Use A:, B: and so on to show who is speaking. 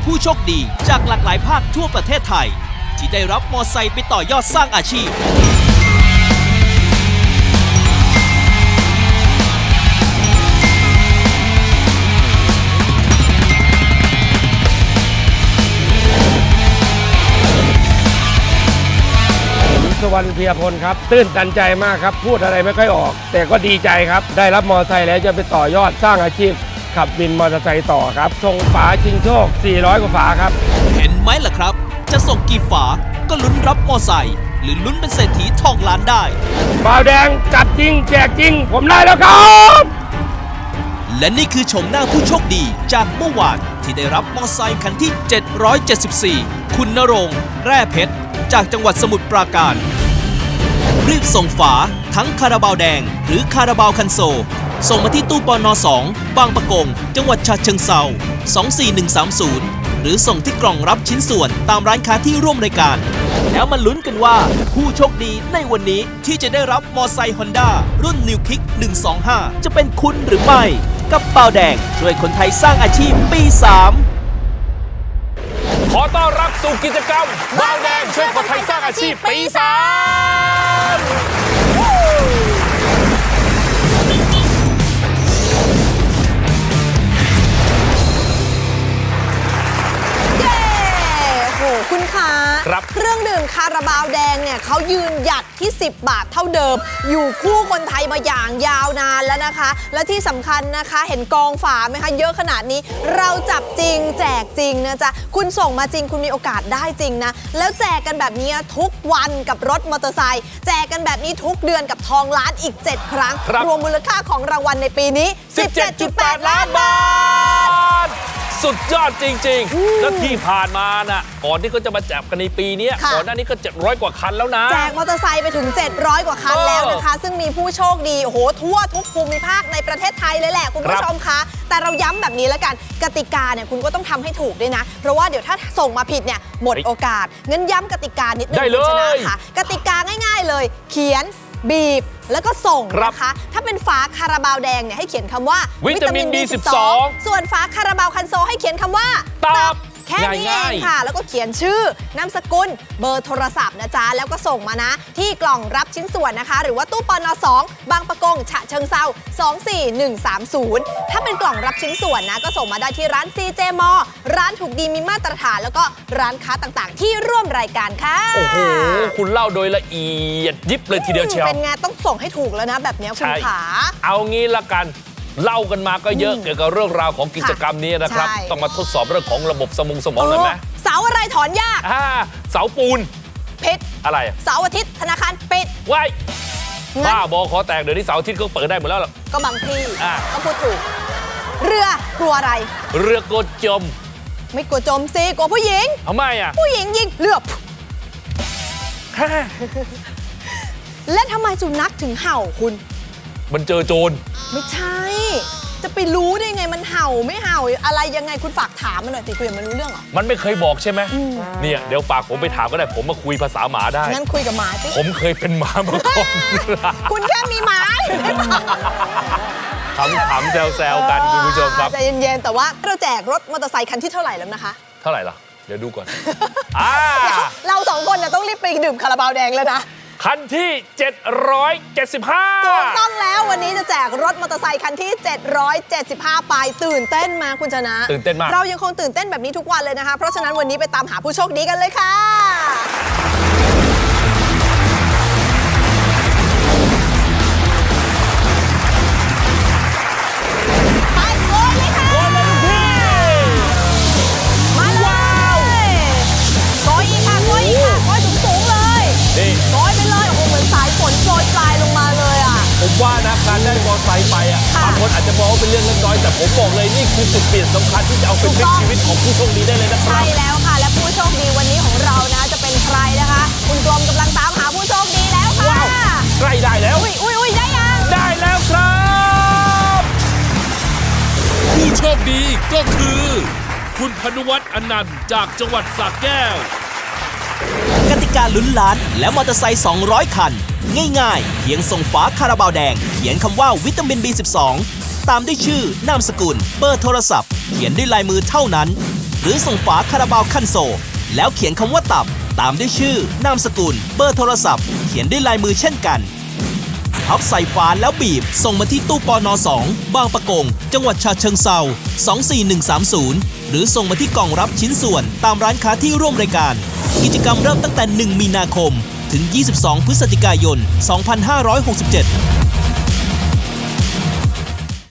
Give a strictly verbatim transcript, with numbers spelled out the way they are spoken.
A: ผู้โชคดีจากหลากหลายภาคทั่วประเทศไทยที่ได้รับมอไซค์ไปต่อยอดสร้างอาชีพ
B: สวรรค์เพียพลครับตื้นตันใจมากครับพูดอะไรไม่ค่อยออกแต่ก็ดีใจครับได้รับมอเตอร์ไซค์แล้วจะไปต่อยอดสร้างอาชีพขับวินมอเตอร์ไซค์ต่อครับส่งฝาชิงโชคสี่ร้อยกว่าฝาครับ
A: เห็นไหมล่ะครับจะส่งกี่ฝาก็ลุ้นรับมอไซค์หรือลุ้นเป็นเศรษฐีทองล้านได้
B: บ่าวแดงจัดจริงแจกจริงผมได้แล้วครับ
A: และนี่คือชมหน้าผู้โชคดีจากเมื่อวานที่ได้รับมอไซค์คันที่เจ็ดร้อยเจ็ดสิบสี่คุณณรงค์แร่เพชรจากจังหวัดสมุทรปราการรีบส่งฝาทั้งคาราบาวแดงหรือคาราบาวคันโซลส่งมาที่ตู้ปนสองบางปะกงจังหวัดฉะเชิงเทราสองสี่หนึ่งสามศูนย์หรือส่งที่กล่องรับชิ้นส่วนตามร้านค้าที่ร่วมรายการแล้วมาลุ้นกันว่าผู้โชคดีในวันนี้ที่จะได้รับมอไซค์ฮอนด้ารุ่น New Kick หนึ่งสองห้าจะเป็นคุณหรือไม่กับเปาแดงช่วยคนไทยสร้างอาชีพปีสาม
C: ขอต้อนรับสู่กิจกรรมบ่าวแดงช่วยคนไทยสร้างอาชีพปีสาม
D: คุณคะเครื่องดื่มคาราบาวแดงเนี่ยเขายืนหยัดที่สิบบาทเท่าเดิมอยู่คู่คนไทยมาอย่างยาวนานแล้วนะคะและที่สำคัญนะคะเห็นกองฝาไหมคะเยอะขนาดนี้เราจับจริงแจกจริงนะจ๊ะคุณส่งมาจริงคุณมีโอกาสได้จริงนะแล้วแจกกันแบบนี้ทุกวันกับรถมอเตอร์ไซค์แจกกันแบบนี้ทุกเดือนกับทองล้านอีกเจ็ดครั้งรวมมูลค่าของรางวัลในปีนี้ สิบเจ็ดจุดแปด ล้านบาท
C: สุดยอดจริงๆแล้วที่ผ่านมาน่ะก่อนที่เขาจะมาจับกันในปีนี้ก่อนหน้านี้ก็เจ็ดร้อยกว่าคันแล้วนะ
D: แจกมอเตอร์ไซค์ไปถึงเจ็ดร้อยกว่าคันแล้วนะคะซึ่งมีผู้โชคดีโอ้โหทั่วทุกภูมิภาคในประเทศไทยเลยแหละคุณผู้ชมคะแต่เราย้ำแบบนี้แล้วกันกติกาเนี่ยคุณก็ต้องทำให้ถูกด้วยนะเพราะว่าเดี๋ยวถ้าส่งมาผิดเนี่ยหมดโอกาสงั้นย้ำกติกานิดนึงคุณชนะค่ะกติกาง่ายๆเลยเขียนบีบแล้วก็ส่งนะคะถ้าเป็นฝาคาราบาวแดงเนี่ยให้เขียนคำว่า
C: วิตามิน บี สิบสอง
D: ส่วนฝาคาราบาวคันโซให้เขียนคำว่า
C: ตับ
D: แค่นี้เองค่ะแล้วก็เขียนชื่อนามสกุลเบอร์โทรศัพท์นะจ๊ะแล้วก็ส่งมานะที่กล่องรับชิ้นส่วนนะคะหรือว่าตู้ปนสองบางปะกงฉะเชิงเซาสองสี่หนึ่งสามศูนย์ถ้าเป็นกล่องรับชิ้นส่วนนะก็ส่งมาได้ที่ร้าน ซี เจ มอ ร้านถูกดีมีมาตรฐานแล้วก็ร้านค้าต่างๆที่ร่วมรายการค่ะ
C: โอ้โหคุณเล่าโดยละเอียดยิบเลยทีเดียวเชียว
D: เป็นไงต้องส่งให้ถูกแล้วนะแบบนี้คุณขา
C: เอางี้ละกันเล่ากันมาก็เยอะเกี่ยวกับเรื่องราวของกิจกรรมนี้นะครับต้องมาทดสอบเรื่องของระบบสมองสมองเลยไหม
D: เสาอะไรถอนยาก
C: เสาปูน
D: ผิด
C: อะไร
D: เสาร์อาทิตย์ธนาคารปิด
C: ว้ายบ้าบอขอแตกเดี๋ยวนี้เสาร์อาทิตย์ก็เปิดได้หมดแล้วหรอ
D: ก็บางที่ก็พูดถูกเรือกลัวอะไร
C: เรือกลัวจม
D: ไม่กลัวจมสิกลัวผู้หญิง
C: ทำไมอ่ะ
D: ผู้หญิงยิงเรือและทำไมสุนัขถึงเห่าคุณ
C: มันเจอโจร
D: ไม่ใช่จะไปรู้ได้ไงมันเห่าไม่เห่าอะไรยังไงคุณฝากถามมันหน่อยสิคุยมันรู้เรื่องเหรอ
C: มันไม่เคยบอกใช่ไหมเนี่ยเดี๋ยวฝากผมไปถามก็ได้ผมมาคุยภาษาหมาได้
D: งั้นคุยกับหมาสิ
C: ผมเคยเป็นหมามาก่อน
D: คุณแค่มีหมา
C: ขำๆแซวๆกันคุณผู้ชมครับ
D: ใจเย็นๆแต่ว่าเราแจกรถมอเตอร์ไซค์คันที่เท่าไหร่แล้วนะคะ
C: เท่าไหร่ล่ะเดี๋ยวดูก่อน
D: เราสองคนเนี่ยต้องรีบไปดื่มคาราบาวแดงแล้วนะ
C: คันที่เจ็ดร้อยเจ็ดสิบห้า
D: ถูกต้องแล้ววันนี้จะแจกรถมอเตอร์ไซค์คันที่เจ็ดร้อยเจ็ดสิบห้าไปตื่นเต้นมาคุณชนะ
C: ตื่นเต้นมาก
D: เรายังคงตื่นเต้นแบบนี้ทุกวันเลยนะคะเพราะฉะนั้นวันนี้ไปตามหาผู้โชคดีกันเลยค่ะไปโอนเลยค่ะ
C: โอนเลยพี่
D: มาเลยโกยอีกค่ะโกยอีกค่ะโกยสูงๆเลย
C: นี่
D: โกยไปเลยโอ้โหเหมือนสายฝนโปรยปลายลงมาเลยอ่ะ
C: ผมว่านะการได้มอเตอร์ไซค์ไปอ่ะบางคนอาจจะมองว่าเป็นเรื่องเล็กน้อยแต่ผมบอกเลยนี่คือจุดเปลี่ยนสำคัญที่จะเอาเป็นพลิกชีวิตของผู้โชคดีได้เลยนะครับ
D: ใช่แล้วค่ะและผู้โชคดีวันนี้ของเรานะจะเป็นใครนะคะคุณกรมกำลังตามหาผู้โชคดีแล้วค่ะ
C: ว้าวใกล้ได้แล้ว
D: อุ้ยอุ้ยอุ้ยได้ยัง
C: ได้แล้วครับ
A: ผู้โชคดีก็คือคุณพนุวัฒน์อนันต์จากจังหวัดสระแก้วกติกาลุ้นล้านและมอเตอร์ไซค์สองร้อยคันง่ายๆเพียงส่งฝาคาราบาวแดงเขียนคำว่าวิตามิน บี สิบสอง ตามด้วยชื่อนามสกุลเบอร์โทรศัพท์เขียนด้วยลายมือเท่านั้นหรือส่งฝาคาราบาวคันโซลแล้วเขียนคำว่าตับตามด้วยชื่อนามสกุลเบอร์โทรศัพท์เขียนด้วยลายมือเช่นกันพับใส่ฝาแล้วบีบส่งมาที่ตู้ปนสองบางปะกงจังหวัดฉะเชิงเทราสองสี่หนึ่งสามศูนย์หรือส่งมาที่กล่องรับชิ้นส่วนตามร้านค้าที่ร่วมรายการกิจกรรมเริ่มตั้งแต่หนึ่งมีนาคมถึงยี่สิบสองพฤศจิกายนสองพันห้าร้อยหกสิบเจ็ด